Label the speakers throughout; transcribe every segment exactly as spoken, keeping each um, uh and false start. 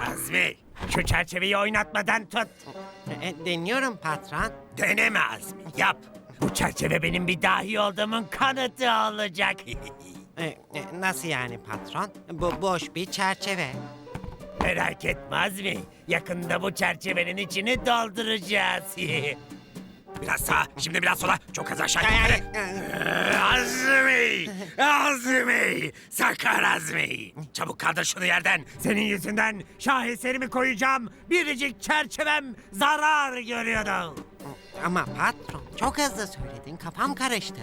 Speaker 1: Azmi, şu çerçeveyi oynatmadan tut.
Speaker 2: E, deniyorum patron.
Speaker 1: Deneme Azmi, yap. Bu çerçeve benim bir dahi olduğumun kanıtı olacak.
Speaker 2: E, e, nasıl yani patron? Bu boş bir çerçeve.
Speaker 1: Merak etme Azmi, yakında bu çerçevenin içini dolduracağız. Biraz sağa, şimdi biraz sola. Çok az aşağı. Hadi. Ee, Azmi! Azmi! Sakar Azmi! Çabuk kaldır şunu yerden. Senin yüzünden şaheserimi koyacağım. Biricik çerçevem zarar görüyordu.
Speaker 2: Ama patron çok hızlı söyledin. Kafam karıştı.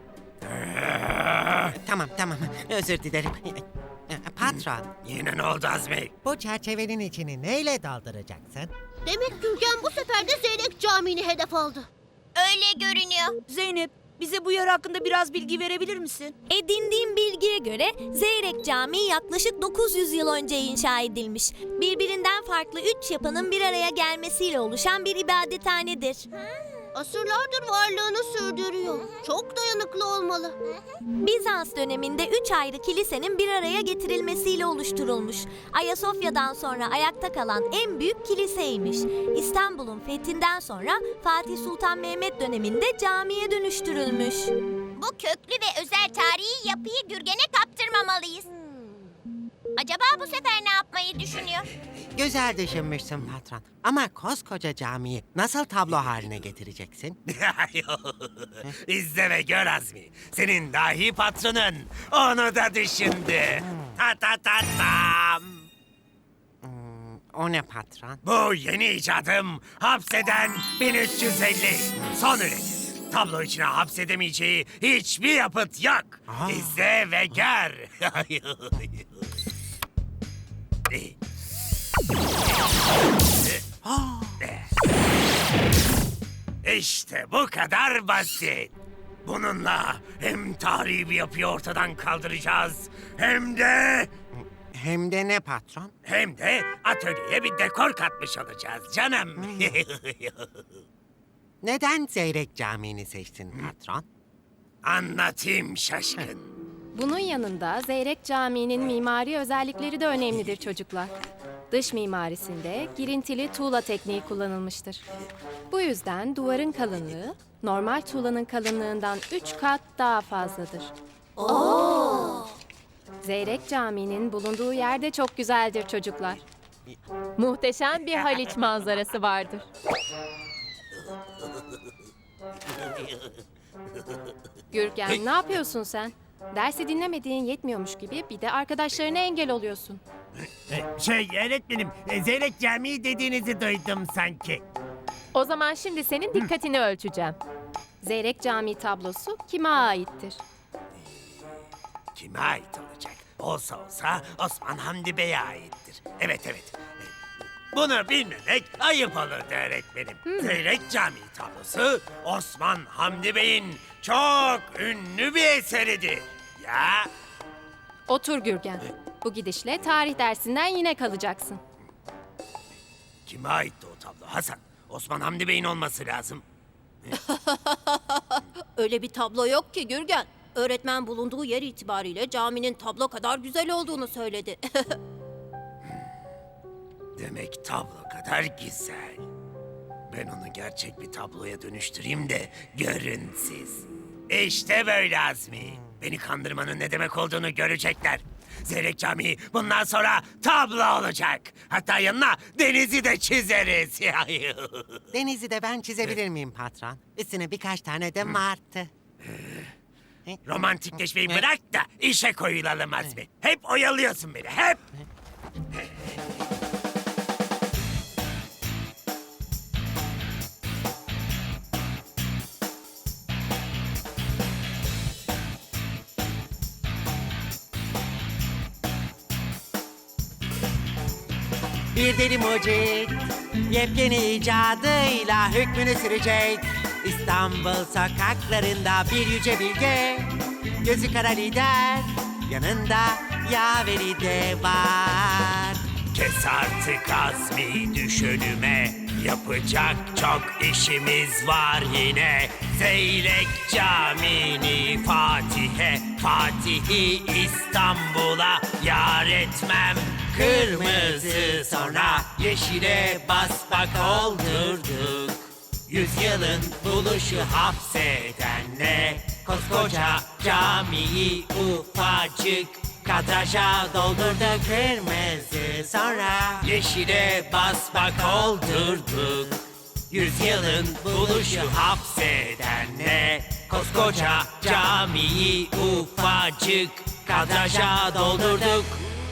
Speaker 2: Tamam tamam özür dilerim. E, Patron,
Speaker 1: Yine ne oldu Azmi?
Speaker 2: bu çerçevenin içini neyle dolduracaksın?
Speaker 3: Demek Gürgen bu sefer de Zeyrek Camii'ni hedef aldı. Öyle görünüyor.
Speaker 4: Zeynep, bize bu yer hakkında biraz bilgi verebilir misin?
Speaker 5: Edindiğim bilgiye göre Zeyrek Camii yaklaşık dokuz yüz yıl önce inşa edilmiş. Birbirinden farklı üç yapının bir araya gelmesiyle oluşan bir ibadethanedir.
Speaker 3: Asırlardır varlığını sürdürüyor. Çok dayanıklı olmalı.
Speaker 5: Bizans döneminde üç ayrı kilisenin bir araya getirilmesiyle oluşturulmuş. Ayasofya'dan sonra ayakta kalan en büyük kiliseymiş. İstanbul'un fethinden sonra Fatih Sultan Mehmet döneminde camiye dönüştürülmüş.
Speaker 3: Bu köklü ve özel tarihi yapıyı Gürgen'e kaptırmamalıyız. Acaba bu sefer ne yapmayı düşünüyor?
Speaker 2: Güzel düşünmüşsün patron. Ama koskoca camiyi nasıl tablo haline getireceksin?
Speaker 1: İzle ve gör Azmi. Senin dahi patronun onu da düşündü. Ta ta ta tam.
Speaker 2: O ne patron?
Speaker 1: Bu yeni icadım hapseden bin üç yüz elli. Son üretim. Tablo içine hapsedemeyeceği hiçbir yapıt yok.
Speaker 2: Aa.
Speaker 1: İzle ve gör. İşte bu kadar basit. Bununla hem tarihi bir yapıyı ortadan kaldıracağız hem de
Speaker 2: Hem de ne patron?
Speaker 1: hem de atölyeye bir dekor katmış olacağız canım.
Speaker 2: Neden Zeyrek Camii'ni seçtin patron?
Speaker 1: Anlatayım şaşkın.
Speaker 6: Bunun yanında Zeyrek Camii'nin mimari özellikleri de önemlidir çocuklar. Dış mimarisinde girintili tuğla tekniği kullanılmıştır. Bu yüzden duvarın kalınlığı normal tuğlanın kalınlığından üç kat daha fazladır. Zeyrek Camii'nin bulunduğu yer de çok güzeldir çocuklar. Muhteşem bir Haliç manzarası vardır. Gürgen, ne yapıyorsun sen? Dersi dinlemediğin yetmiyormuş gibi bir de arkadaşlarına engel oluyorsun.
Speaker 1: Ee, Şey öğretmenim, e, Zeyrek Camii dediğinizi duydum sanki.
Speaker 6: O zaman şimdi senin dikkatini ölçeceğim. Zeyrek Camii tablosu kime aittir?
Speaker 1: Kime ait olacak? Olsa olsa Osman Hamdi Bey'e aittir. Evet evet. Ee, Bunu bilmemek ayıp olurdu öğretmenim. Zeyrek Camii tablosu Osman Hamdi Bey'in çok ünlü bir eseridir. Ya
Speaker 6: Otur Gürgen. Bu gidişle tarih dersinden yine kalacaksın.
Speaker 1: kime aitti o tablo Hasan? Osman Hamdi Bey'in olması lazım.
Speaker 3: Öyle bir tablo yok ki Gürgen. Öğretmen bulunduğu yer itibariyle caminin tablo kadar güzel olduğunu söyledi.
Speaker 1: Demek tablo kadar güzel. Ben onu gerçek bir tabloya dönüştüreyim de görün siz. İşte böyle Azmi. Beni kandırmanın ne demek olduğunu görecekler. Zeyrek Camii bundan sonra tablo olacak. Hatta yanına denizi de çizeriz.
Speaker 2: Denizi de ben çizebilir miyim patron? Üstüne birkaç tane de martı.
Speaker 1: Romantikleşmeyi bırak da işe koyulalım Azmi. Hep oyalıyorsun beni, hep.
Speaker 2: Bir deli mucit yepyeni icadıyla hükmünü sürecek. İstanbul sokaklarında bir yüce bilge, gözü kara lider, yanında yaveri de var.
Speaker 1: Kes artık Azmi düşünüme. Yapacak çok işimiz var yine. Zeyrek Camii'ni Fatih'e, Fatih'i İstanbul'a yar etmem. kırmızı, sonra yeşile bas bak oldurduk. Yüzyılın buluşu hapsedenle koskoca camiyi ufacık kadraja doldurduk.
Speaker 2: Kırmızı, sonra
Speaker 1: Yeşile bas bak oldurduk. Yüzyılın buluşu hapsedenle koskoca camiyi ufacık kadraja doldurduk.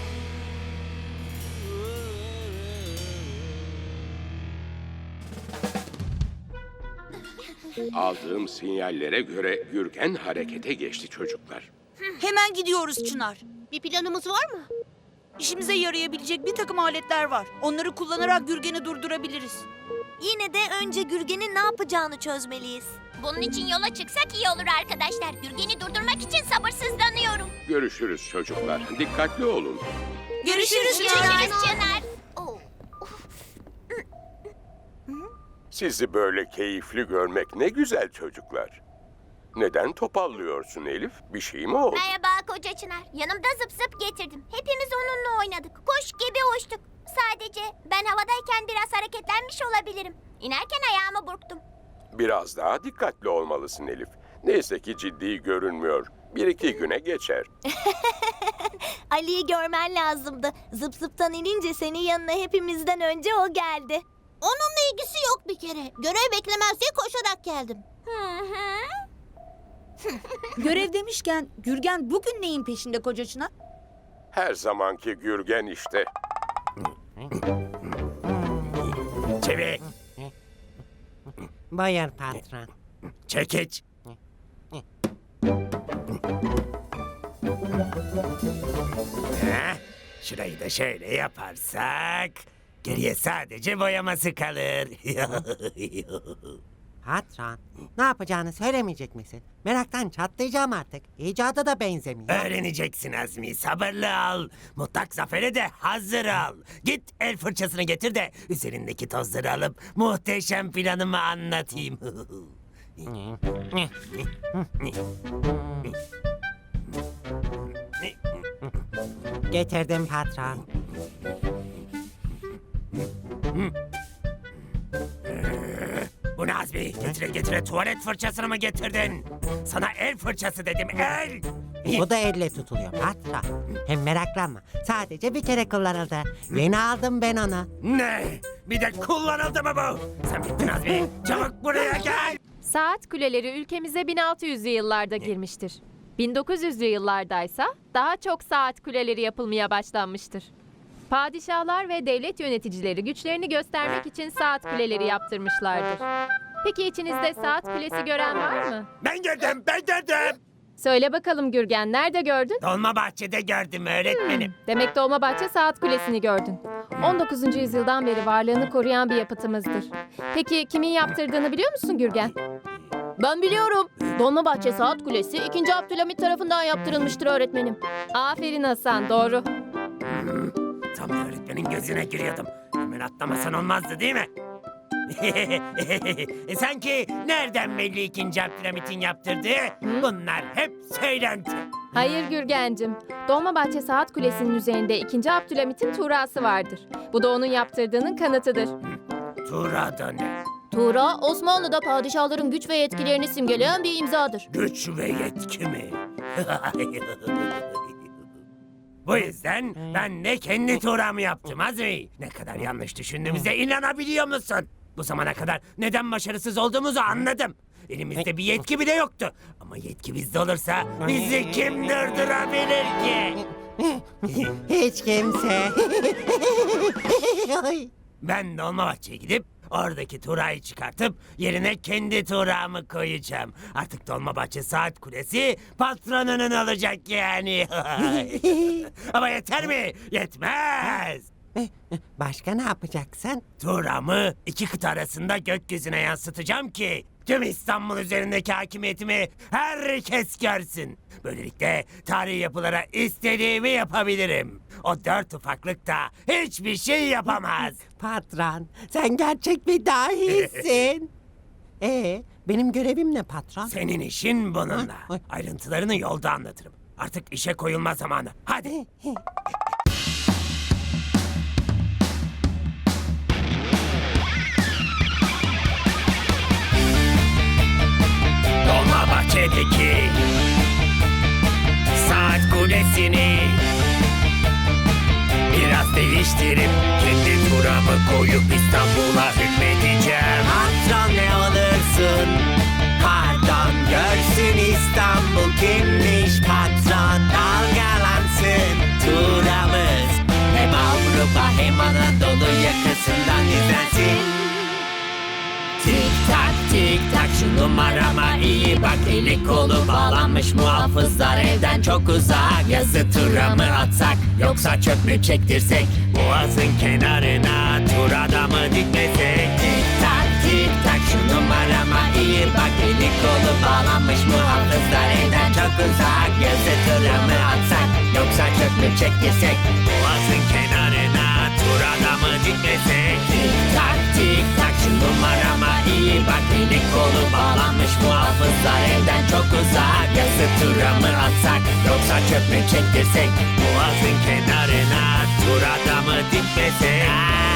Speaker 7: Aldığım sinyallere göre Gürgen harekete geçti çocuklar.
Speaker 4: Hemen gidiyoruz Çınar.
Speaker 3: Bir planımız var mı?
Speaker 4: İşimize yarayabilecek bir takım aletler var. Onları kullanarak Gürgen'i durdurabiliriz.
Speaker 5: Yine de önce Gürgen'in ne yapacağını çözmeliyiz.
Speaker 3: Bunun için yola çıksak iyi olur arkadaşlar. Gürgen'i durdurmak için sabırsızlanıyorum.
Speaker 7: Görüşürüz çocuklar. Dikkatli olun.
Speaker 4: Görüşürüz
Speaker 3: Görüşürüz Çınar. Oo.
Speaker 7: Sizi böyle keyifli görmek ne güzel çocuklar. Neden topallıyorsun Elif? Bir şey mi oldu?
Speaker 3: Merhaba koca Çınar. Yanımda zıp zıp getirdim. Hepimiz onunla oynadık. Kuş gibi uçtuk. Sadece ben havadayken biraz hareketlenmiş olabilirim. İnerken ayağımı burktum.
Speaker 7: Biraz daha dikkatli olmalısın Elif. Neyse ki ciddi görünmüyor. Bir iki güne geçer.
Speaker 5: Ali'yi görmen lazımdı. Zıp zıptan inince senin yanına hepimizden önce o geldi.
Speaker 3: Onunla ilgisi yok bir kere. Görev beklemez diye koşarak geldim. Hı hı.
Speaker 4: Görev demişken Gürgen bugün neyin peşinde koca Çınar?
Speaker 7: Her zamanki Gürgen işte.
Speaker 1: Çevik,
Speaker 2: buyur patron.
Speaker 1: çekiç. Heh, şurayı da şöyle yaparsak geriye sadece boyaması kalır.
Speaker 2: Patron, ne yapacağını söylemeyecek misin? Meraktan çatlayacağım artık. İcadı da benzemiyor.
Speaker 1: Öğreneceksin Azmi, sabırlı ol. Mutlak zafere de hazır ol. Git el fırçasını getir de üzerindeki tozları alıp muhteşem planımı anlatayım.
Speaker 2: Getirdim patron.
Speaker 1: Bu ne Azmi? Getire getire tuvalet fırçasını mı getirdin? Sana el fırçası dedim, el!
Speaker 2: Bu da elle tutuluyor patron. Hem meraklanma. Sadece bir kere kullanıldı. Yeni aldım ben onu.
Speaker 1: Ne? Bir de kullanıldı mı bu? Sen bittin Azmi. Çabuk buraya gel.
Speaker 6: Saat kuleleri ülkemize bin altı yüzlü yıllarda girmiştir. bin dokuz yüzlü yıllardaysa daha çok saat kuleleri yapılmaya başlanmıştır. Padişahlar ve devlet yöneticileri güçlerini göstermek için saat kuleleri yaptırmışlardır. Peki içinizde saat kulesi gören var mı?
Speaker 1: Ben gördüm, ben gördüm.
Speaker 6: Söyle bakalım Gürgen, nerede gördün?
Speaker 1: Dolmabahçe'de gördüm öğretmenim.
Speaker 6: Demek Dolmabahçe Saat Kulesi'ni gördün. on dokuzuncu yüzyıldan beri varlığını koruyan bir yapıtımızdır. Peki kimin yaptırdığını biliyor musun Gürgen? Ben biliyorum. Dolmabahçe Saat Kulesi ikinci. Abdülhamit tarafından yaptırılmıştır öğretmenim. Aferin Hasan, doğru.
Speaker 1: Tam öğretmenin gözüne giriyordum. Hemen atlamasan olmazdı değil mi? e sanki nereden belli ikinci Abdülhamit'in yaptırdığı? Bunlar hep söylenti.
Speaker 6: Hayır Gürgencim. Dolmabahçe Saat Kulesi'nin üzerinde ikinci. Abdülhamit'in tuğrası vardır. Bu da onun yaptırdığının kanıtıdır.
Speaker 1: Tuğra da ne?
Speaker 6: Tuğra, Osmanlı'da padişahların güç ve yetkilerini simgeleyen bir imzadır.
Speaker 1: Güç ve yetki mi? Bu yüzden ben de kendi tuğramı yaptım Azmi. Ne kadar yanlış düşündüğümüze inanabiliyor musun? Bu zamana kadar neden başarısız olduğumuzu anladım. Elimizde bir yetki bile yoktu. Ama yetki bizde olursa bizi kim durdurabilir ki?
Speaker 2: Hiç kimse.
Speaker 1: Ben Dolmabahçe'ye gidip oradaki tuğrayı çıkartıp yerine kendi tuğramı koyacağım. Artık Dolmabahçe Saat Kulesi patronunun olacak yani. Ama yeter mi? Yetmez.
Speaker 2: Başka ne yapacaksın?
Speaker 1: Tuğramı iki kıta arasında gökyüzüne yansıtacağım ki tüm İstanbul üzerindeki hakimiyetimi herkes görsün. Böylelikle tarihi yapılara istediğimi yapabilirim. O dört ufaklık da hiçbir şey yapamaz.
Speaker 2: Patron, sen gerçek bir dahisin. Ee, benim görevim ne patron?
Speaker 1: Senin işin bununla.
Speaker 2: Ay.
Speaker 1: Ayrıntılarını yolda anlatırım. Artık işe koyulma zamanı. Hadi. tepedeki saat kulesini biraz değiştirip kendi turamı koyup İstanbul'a hükmedeceğim.
Speaker 2: Patron ne olursun, pardon görsün İstanbul kimmiş patron. Dalgalansın turamız, hem Avrupa hem Anadolu yakasından izlensin. Tik tak tik tak şu numarama iyi bak, eli kolu bağlanmış muhafızlar evden çok uzak. Yazı tura mı atsak yoksa çöp mü çektirsek, boğazın kenarına tur adamı dikmesek. Tik tak tik tak şu numarama iyi bak, eli kolu bağlanmış muhafızlar evden çok uzak. Yazı tura mı atsak yoksa çöp mü çektirsek, boğazın kenarına tur adamı dikmesek. Tik tak tik tak şu numarama iyi bak, eli kolu bağlanmış muhafızlar evden çok uzak. Yazı tura mı atsak yoksa çöp mü çektirsek, boğazın kenarına tur adamı dikmesek.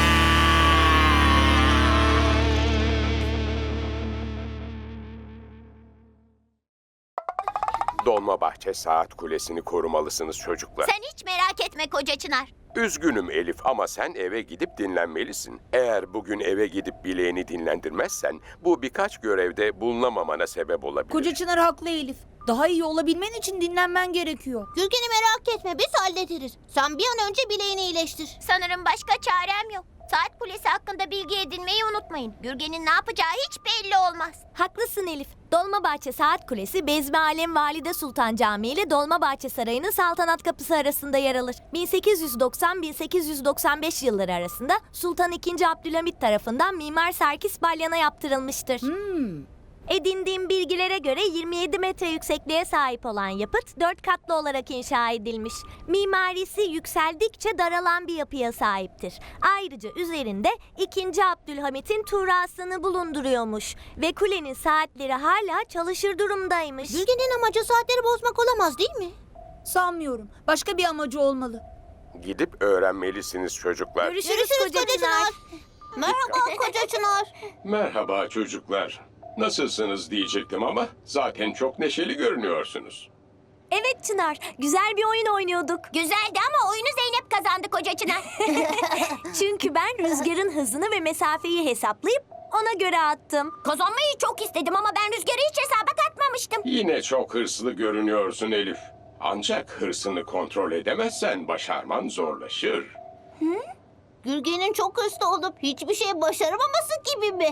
Speaker 7: Dolmabahçe Saat Kulesi'ni korumalısınız çocuklar.
Speaker 3: Sen hiç merak etme koca Çınar.
Speaker 7: Üzgünüm Elif ama sen eve gidip dinlenmelisin. Eğer bugün eve gidip bileğini dinlendirmezsen bu birkaç görevde bulunamamana sebep olabilir.
Speaker 4: Koca Çınar haklı Elif. Daha iyi olabilmen için dinlenmen gerekiyor.
Speaker 8: Gürgen'i merak etme, biz hallederiz. Sen bir an önce bileğini iyileştir.
Speaker 3: Sanırım başka çarem yok. Saat kulesi hakkında bilgi edinmeyi unutmayın. Gürgen'in ne yapacağı hiç belli olmaz.
Speaker 5: Haklısın Elif. Dolmabahçe Saat Kulesi, Bezmi Alem Valide Sultan Camii ile Dolmabahçe Sarayı'nın saltanat kapısı arasında yer alır. bin sekiz yüz doksan - bin sekiz yüz doksan beş yılları arasında Sultan ikinci. Abdülhamit tarafından Mimar Serkis Balyan'a yaptırılmıştır. Edindiğim bilgilere göre yirmi yedi metre yüksekliğe sahip olan yapıt dört katlı olarak inşa edilmiş. Mimarisi yükseldikçe daralan bir yapıya sahiptir. Ayrıca üzerinde ikinci. Abdülhamit'in tuğrasını bulunduruyormuş ve kulenin saatleri hala çalışır durumdaymış.
Speaker 8: Gürgen'in amacı saatleri bozmak olamaz değil mi?
Speaker 4: Sanmıyorum. Başka bir amacı olmalı.
Speaker 7: Gidip öğrenmelisiniz çocuklar.
Speaker 5: Görüşürüz, koca Çınar.
Speaker 8: Merhaba koca Çınar.
Speaker 7: Merhaba çocuklar. Nasılsınız diyecektim ama zaten çok neşeli görünüyorsunuz.
Speaker 5: Evet Çınar, güzel bir oyun oynuyorduk.
Speaker 3: Güzeldi ama oyunu Zeynep kazandı koca Çınar.
Speaker 5: Çünkü ben rüzgarın hızını ve mesafeyi hesaplayıp ona göre attım.
Speaker 3: Kazanmayı çok istedim ama ben rüzgarı hiç hesaba katmamıştım.
Speaker 7: Yine çok hırslı görünüyorsun Elif. Ancak hırsını kontrol edemezsen başarman zorlaşır.
Speaker 8: Gürgen'in çok hırslı olup hiçbir şey başaramaması gibi mi?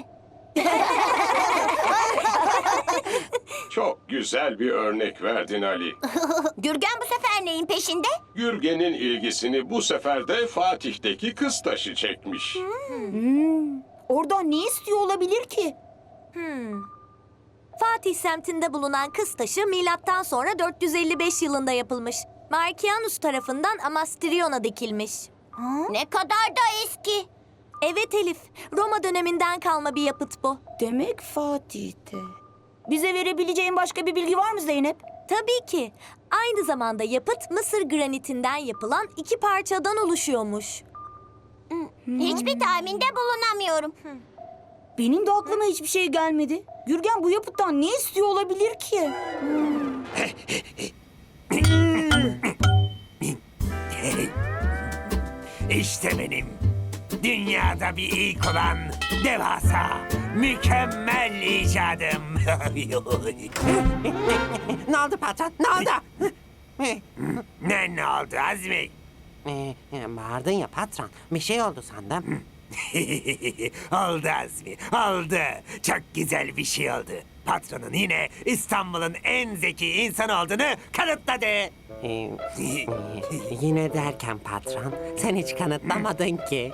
Speaker 7: Çok güzel bir örnek verdin Ali.
Speaker 3: Gürgen bu sefer neyin peşinde?
Speaker 7: Gürgen'in ilgisini bu sefer de Fatih'teki kız taşı çekmiş.
Speaker 4: Oradan ne istiyor olabilir ki?
Speaker 5: Fatih semtinde bulunan kız taşı milattan sonra dört yüz elli beş yılında yapılmış. Markianus tarafından Amastrion'a dikilmiş.
Speaker 3: Ne kadar da eski.
Speaker 5: Evet Elif, Roma döneminden kalma bir yapıt bu.
Speaker 4: Demek Fatih'te. Bize verebileceğin başka bir bilgi var mı Zeynep?
Speaker 5: Tabii ki. Aynı zamanda yapıt Mısır granitinden yapılan iki parçadan oluşuyormuş.
Speaker 3: Hiçbir tahminde bulunamıyorum.
Speaker 4: Benim de aklıma hiçbir şey gelmedi. Gürgen bu yapıttan ne istiyor olabilir ki?
Speaker 1: İşte benim dünyada bir ilk olan devasa, mükemmel icadım.
Speaker 2: Ne oldu patron, ne oldu?
Speaker 1: ne ne oldu Azmi?
Speaker 2: Ee, e, bağırdın ya patron, bir şey oldu sandım.
Speaker 1: oldu Azmi, oldu. Çok güzel bir şey oldu. Patronun yine İstanbul'un en zeki insan olduğunu kanıtladı.
Speaker 2: Ee, e, yine derken patron, sen hiç kanıtlamadın ki.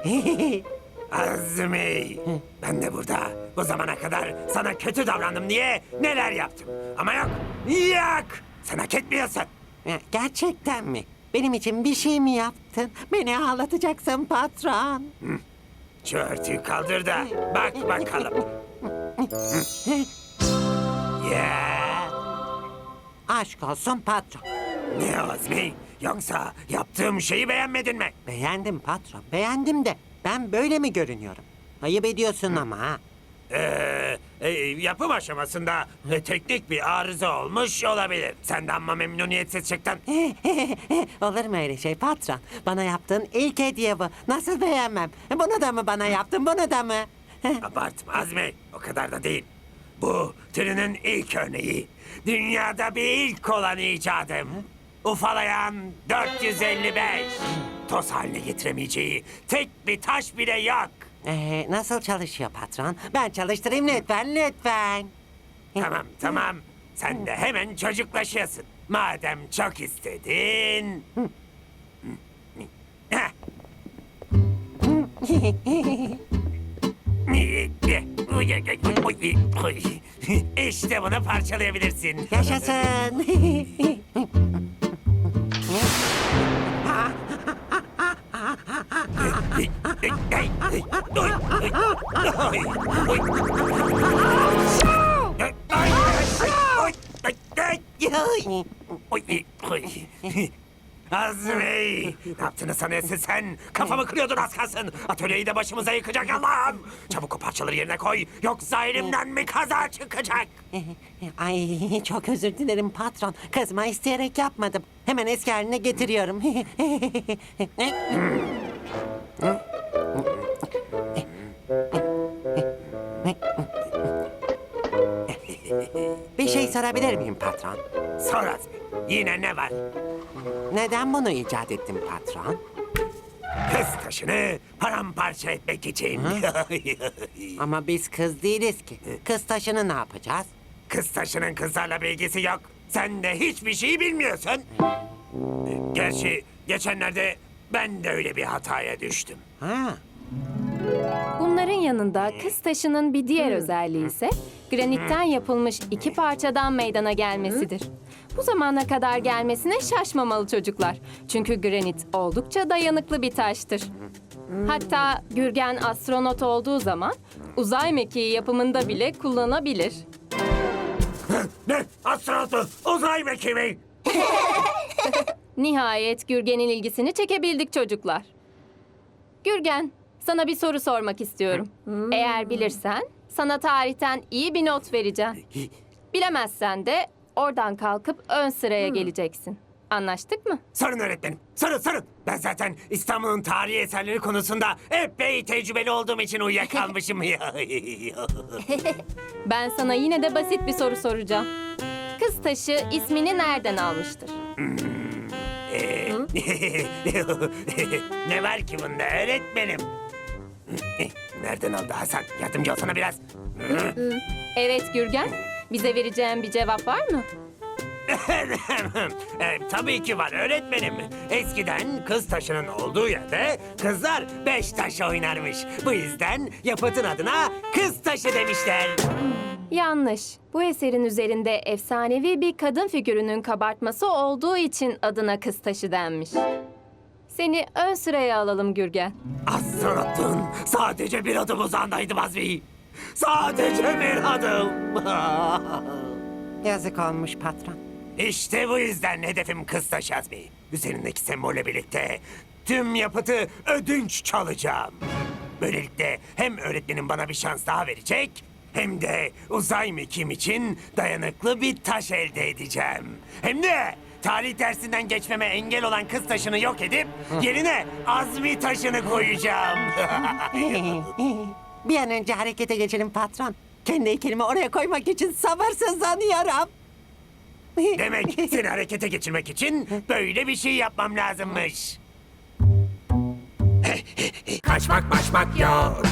Speaker 1: Azmi, ben de burada bu zamana kadar sana kötü davrandım diye neler yaptım. Ama yok, yok. Sen hak etmiyorsun.
Speaker 2: Ya, gerçekten mi? Benim için bir şey mi yaptın? Beni ağlatacaksın patron.
Speaker 1: Şu örtüyü kaldır da bak bakalım. Ya,
Speaker 2: Aşk olsun patron.
Speaker 1: ne Azmi? Yoksa yaptığım şeyi beğenmedin mi?
Speaker 2: Beğendim patron, beğendim de ben böyle mi görünüyorum? Ayıp ediyorsun ama ha.
Speaker 1: Ee, e, yapım aşamasında e, teknik bir arıza olmuş olabilir. Sen de amma memnuniyetsiz çıktın.
Speaker 2: Olur mu öyle şey patron? Bana yaptığın ilk hediye bu. Nasıl beğenmem? Bunu da mı bana yaptın, bunu da mı?
Speaker 1: Abartma Azmi, o kadar da değil. Bu türünün ilk örneği. Dünyada bir ilk olan icadım. Ufalayan dört yüz elli beş. Toz haline getiremeyeceği tek bir taş bile yok.
Speaker 2: Ee, nasıl çalışıyor patron? Ben çalıştırayım lütfen, lütfen.
Speaker 1: Tamam tamam. Sen de hemen çocuklaşıyorsun. Madem çok istedin. Heh. İşte bunu parçalayabilirsin.
Speaker 2: Yaşasın.
Speaker 1: Azmi! Ne yaptığını sanıyorsun sen? Kafamı kırıyordun az kalsın. Atölyeyi de başımıza yıkacak Allah'ım. Çabuk o parçaları yerine koy. Yoksa elimden mi kaza çıkacak?
Speaker 2: Ay çok özür dilerim patron. Kızma isteyerek yapmadım. Hemen eski haline getiriyorum. Bir şey sorabilir miyim patron?
Speaker 1: Sor Azmi. Yine ne var?
Speaker 2: Neden bunu icat ettin patron?
Speaker 1: Kız taşını paramparça etmek için.
Speaker 2: Ama biz kız değiliz ki. Kız taşını ne yapacağız?
Speaker 1: Kız taşının kızlarla bir ilgisi yok. Sen de hiçbir şeyi bilmiyorsun. Gerçi geçenlerde ben de öyle bir hataya düştüm.
Speaker 2: Ha.
Speaker 6: Bunların yanında kız taşının bir diğer özelliği ise granitten yapılmış iki parçadan meydana gelmesidir. Bu zamana kadar gelmesine şaşmamalı çocuklar. Çünkü granit oldukça dayanıklı bir taştır. Hatta Gürgen astronot olduğu zaman uzay mekiği yapımında bile kullanabilir.
Speaker 1: Ne? Astronotu uzay mekiği mi?
Speaker 6: Nihayet Gürgen'in ilgisini çekebildik çocuklar. Gürgen, sana bir soru sormak istiyorum. Eğer bilirsen sana tarihten iyi bir not vereceğim. Bilemezsen de oradan kalkıp ön sıraya geleceksin. Anlaştık mı?
Speaker 1: Sorun öğretmenim. Sorun sorun. Ben zaten İstanbul'un tarihi eserleri konusunda epey tecrübeli olduğum için uyuyakalmışım.
Speaker 6: Ben sana yine de basit bir soru soracağım. Kız taşı ismini nereden almıştır?
Speaker 1: Ee, ne var ki bunda öğretmenim? Nereden aldı Hasan? Yardımcı olsana biraz.
Speaker 6: Evet Gürgen, bize vereceğin bir cevap var mı?
Speaker 1: e, tabii ki var öğretmenim. Eskiden kız taşının olduğu yerde kızlar beş taş oynarmış. Bu yüzden yapıtın adına kız taşı demişler.
Speaker 6: Yanlış. Bu eserin üzerinde efsanevi bir kadın figürünün kabartması olduğu için adına kız taşı denmiş. Seni ön sıraya alalım Gürgen.
Speaker 1: Astronotun sadece bir adım uzağındaydım Azmi. Sadece bir adım.
Speaker 2: Yazık olmuş patron.
Speaker 1: İşte bu yüzden hedefim kız taşı Azmi. Üzerindeki sembolle birlikte tüm yapıtı ödünç çalacağım. Böylelikle hem öğretmenim bana bir şans daha verecek... hem de uzay mekiğim için dayanıklı bir taş elde edeceğim. Hem de tarih dersinden geçmeme engel olan kız taşını yok edip yerine Azmi taşını koyacağım.
Speaker 2: Bir an önce harekete geçelim patron. Kendi heykelimi oraya koymak için sabırsızlanıyorum.
Speaker 1: Demek seni harekete geçirmek için böyle bir şey yapmam lazımmış. Kaçmak maçmak yok.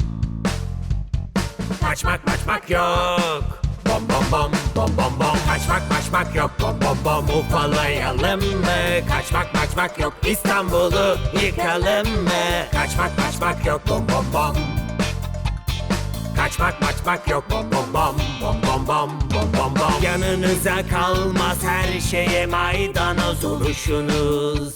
Speaker 1: Kaçmak maçmak yok. Bom bom bom bom bom bom. Kaçmak maçmak yok. Bom bom bom ufalayalım mı? Kaçmak maçmak yok. İstanbul'u yıkalım mı? Kaçmak maçmak yok. Bom bom bom. Kaçmak maçmak yok. Bom bom bom bom bom bom bom bom bom. Yanınıza kalmaz her şeye maydanoz oluşunuz.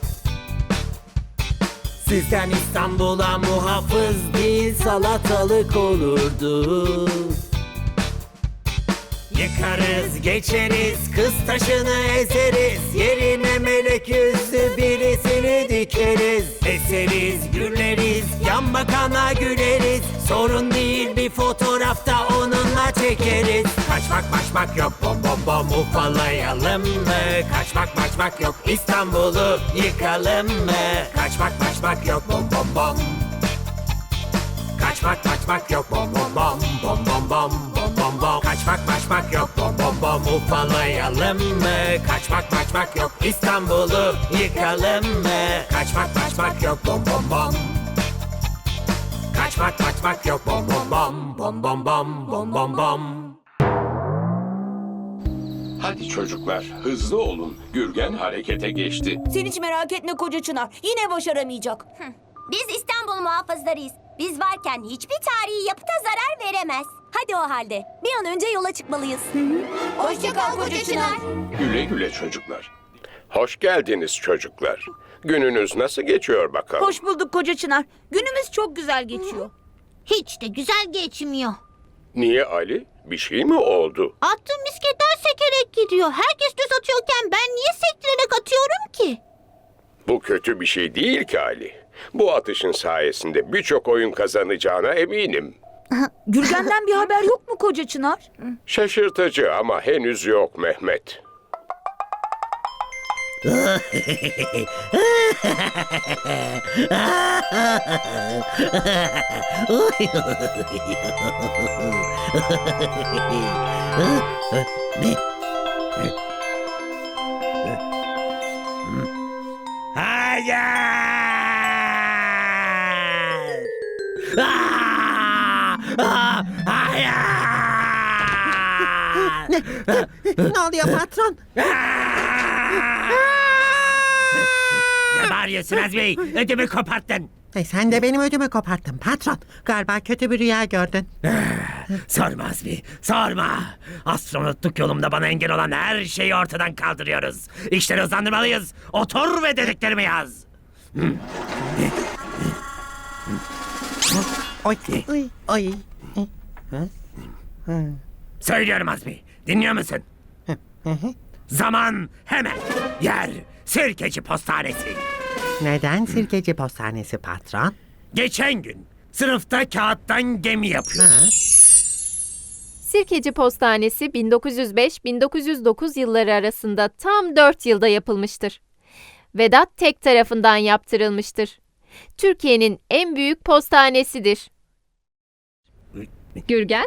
Speaker 1: Sizden İstanbul'a muhafız değil salatalık olurdu.
Speaker 2: Yıkarız geçeriz, kız taşını ezeriz. Yerine melek yüzlü birisini dikeriz. Eseriz, güleriz, yan bakana güleriz. Sorun değil, bir fotoğrafta onunla çekeriz. Kaçmak maçmak yok, bom bom bom ufalayalım mı? Kaçmak maçmak yok, İstanbul'u yıkalım mı? Kaçmak maçmak yok, bom bom bom. Kaçmak maçmak yok, bom bom bom bom bom bom bom bom bom. Kaçmak maçmak yok, bom bom bom ufalayalım mı? Kaçmak maçmak yok, İstanbul'u yıkalım mı? Kaçmak maçmak yok, bom bom bom. Kaçmak maçmak yok, bom bom bom bom bom bom bom bom bom.
Speaker 7: Hadi çocuklar, hızlı olun. Gürgen harekete geçti.
Speaker 4: Sen hiç merak etme koca Çınar. Yine başaramayacak.
Speaker 3: Biz İstanbul muhafızlarıyız. Biz varken hiçbir tarihi yapıta zarar veremez.
Speaker 5: Hadi o halde. Bir an önce yola çıkmalıyız.
Speaker 3: Hoşça kal koca Çınar.
Speaker 7: Güle güle çocuklar. Hoş geldiniz çocuklar. Gününüz nasıl geçiyor bakalım?
Speaker 4: Hoş bulduk koca Çınar. Günümüz çok güzel geçiyor.
Speaker 8: Hiç de güzel geçmiyor.
Speaker 7: Niye Ali? Bir şey mi oldu?
Speaker 8: Attığım misketler sekerek gidiyor. Herkes düz atıyorken ben niye sektirerek atıyorum ki?
Speaker 7: Bu kötü bir şey değil ki Ali. Bu atışın sayesinde birçok oyun kazanacağına eminim.
Speaker 4: Gürgen'den bir haber yok mu koca Çınar?
Speaker 7: Şaşırtıcı ama henüz yok Mehmet.
Speaker 2: Hayır! Aa! Aa! Hayır!
Speaker 9: Ne oluyor patron?
Speaker 2: Ne bağırıyorsun Azmi? Ödümü koparttın.
Speaker 9: E, sen de benim ödümü koparttın patron. Galiba kötü bir rüya gördün.
Speaker 2: Sorma Azmi, sorma. Astronotluk yolumda bana engel olan her şeyi ortadan kaldırıyoruz. İşleri hızlandırmalıyız. Otur ve dediklerimi yaz.
Speaker 9: Oy, oy, oy.
Speaker 2: Söylüyorum Azmi, dinliyor musun? Zaman hemen. Yer Sirkeci Postanesi.
Speaker 9: Neden sirkeci postanesi patron?
Speaker 2: Geçen gün sınıfta kağıttan gemi yapıyor.
Speaker 9: Ha?
Speaker 6: Sirkeci Postanesi bin dokuz yüz beş - bin dokuz yüz dokuz yılları arasında tam dört yılda yapılmıştır. Vedat Tek tarafından yaptırılmıştır. Türkiye'nin en büyük postanesidir. Gürgen?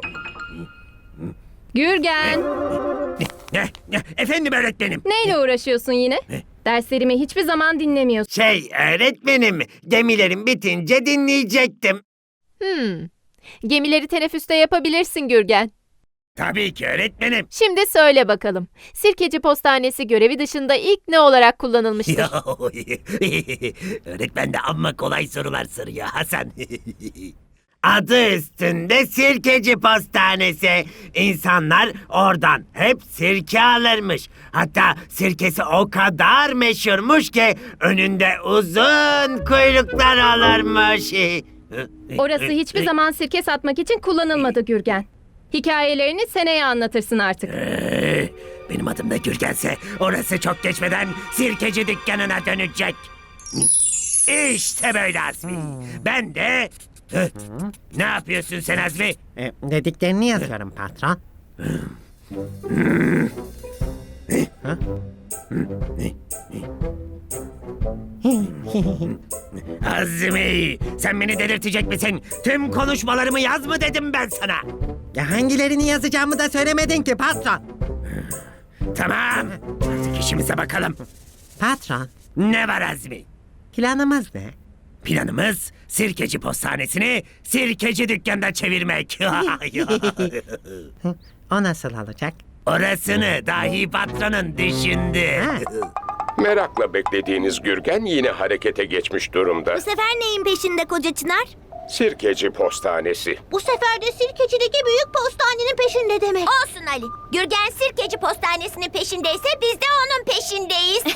Speaker 6: Gürgen!
Speaker 2: Ne, ne, efendim öğretmenim.
Speaker 6: Neyle uğraşıyorsun yine? Derslerimi hiçbir zaman dinlemiyorsun.
Speaker 2: Şey öğretmenim, gemilerim bitince dinleyecektim.
Speaker 6: Hmm. Gemileri teneffüste yapabilirsin Gürgen.
Speaker 2: Tabii ki öğretmenim.
Speaker 6: Şimdi söyle bakalım. Sirkeci Postanesi görevi dışında ilk ne olarak kullanılmıştır?
Speaker 2: Öğretmen de amma kolay sorular soruyor Hasan. Adı üstünde Sirkeci Postanesi. İnsanlar oradan hep sirke alırmış. Hatta sirkesi o kadar meşhurmuş ki önünde uzun kuyruklar olurmuş.
Speaker 6: Orası hiçbir zaman sirke satmak için kullanılmadı Gürgen. Hikayelerini seneye anlatırsın artık.
Speaker 2: Ee, Benim adım da Gürgense orası çok geçmeden sirkeci dükkanına dönecek. İşte böyle Azmi. Ben de... Hı, ne yapıyorsun sen Azmi?
Speaker 9: E, dediklerini yazıyorum patron. Ha?
Speaker 2: Azmi, sen beni delirtecek misin? Tüm konuşmalarımı yaz mı dedim ben sana?
Speaker 9: Ya hangilerini yazacağımı da söylemedin ki patron.
Speaker 2: Tamam, artık işimize bakalım.
Speaker 9: Patron,
Speaker 2: Ne var Azmi?
Speaker 9: planımız ne?
Speaker 2: Planımız Sirkeci Postanesi'ni Sirkeci dükkanda çevirmek.
Speaker 9: O nasıl olacak?
Speaker 2: Orasını dahi patronun düşündü.
Speaker 9: Ha.
Speaker 7: Merakla beklediğiniz Gürgen yine harekete geçmiş durumda.
Speaker 3: Bu sefer neyin peşinde koca Çınar?
Speaker 7: Sirkeci Postanesi.
Speaker 8: Bu sefer de sirkecideki büyük postanenin peşinde demek.
Speaker 3: Olsun Ali. Gürgen Sirkeci Postanesi'nin peşindeyse biz de onun peşindeyiz.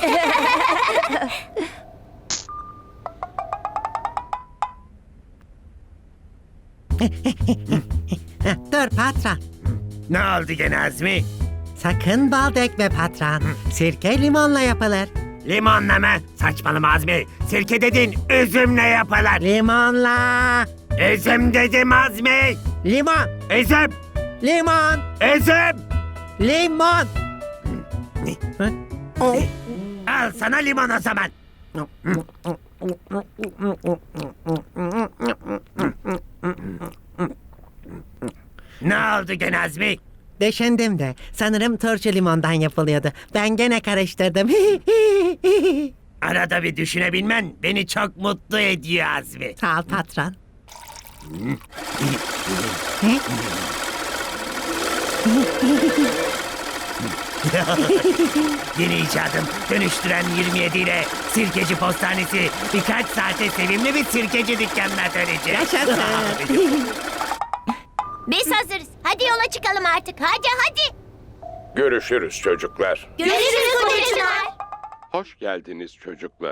Speaker 9: Heh, dur patron.
Speaker 1: Ne oldu gene Azmi?
Speaker 9: Sakın bal dökme patron. Sirke limonla yapılır.
Speaker 1: Limonla mı? Saçmalama Azmi. Sirke dedin, üzümle yapılır.
Speaker 9: Limonla.
Speaker 1: Üzüm dedim Azmi.
Speaker 9: Limon.
Speaker 1: Üzüm,
Speaker 9: Limon.
Speaker 1: üzüm.
Speaker 9: Limon.
Speaker 1: Al sana limon o zaman. Ne oldu gene Azmi?
Speaker 9: Düşündüm de sanırım turşu limondan yapılıyordu. Ben gene karıştırdım.
Speaker 1: Arada bir düşünebilmen beni çok mutlu ediyor Azmi.
Speaker 9: Sağ ol patron.
Speaker 1: Yeni icadım dönüştüren yirmi yedi ile sirkeci postanesi birkaç saate sevimli bir sirkeci dükkanına dönecek.
Speaker 9: Yaşasın.
Speaker 3: Biz hazırız. Hadi yola çıkalım artık. Hadi hadi.
Speaker 7: Görüşürüz çocuklar.
Speaker 3: Görüşürüz Kutucular.
Speaker 7: Hoş geldiniz çocuklar.